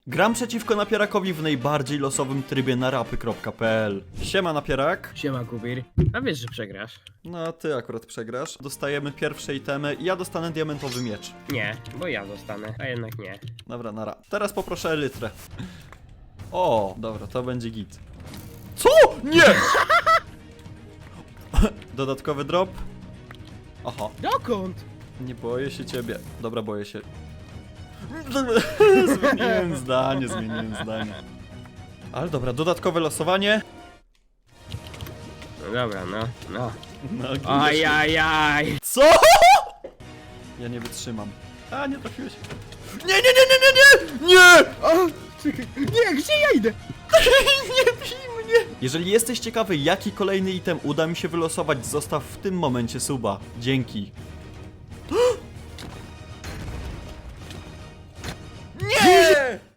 Gram przeciwko Napierakowi w najbardziej losowym trybie na rapy.pl. Siema Napierak. Siema Kubir. A wiesz, że przegrasz? No ty akurat przegrasz. Dostajemy pierwsze itemy i ja dostanę diamentowy miecz. Nie, bo ja zostanę, a jednak nie. Dobra, nara. Teraz poproszę elytrę. O, dobra, to będzie git. Co? Nie! Dodatkowy drop. Aha, Dokąd? nie boję się ciebie. Dobra, boję się. Zmieniłem zdanie. Ale dobra, dodatkowe losowanie. No dobra, no. No, Ajajaj! co? Ja nie wytrzymam. A, nie trafiłeś. Nie! O, czekaj. Nie, gdzie ja idę? Nie bij mnie! Jeżeli jesteś ciekawy, jaki kolejny item uda mi się wylosować, zostaw w tym momencie suba. Dzięki. Nie!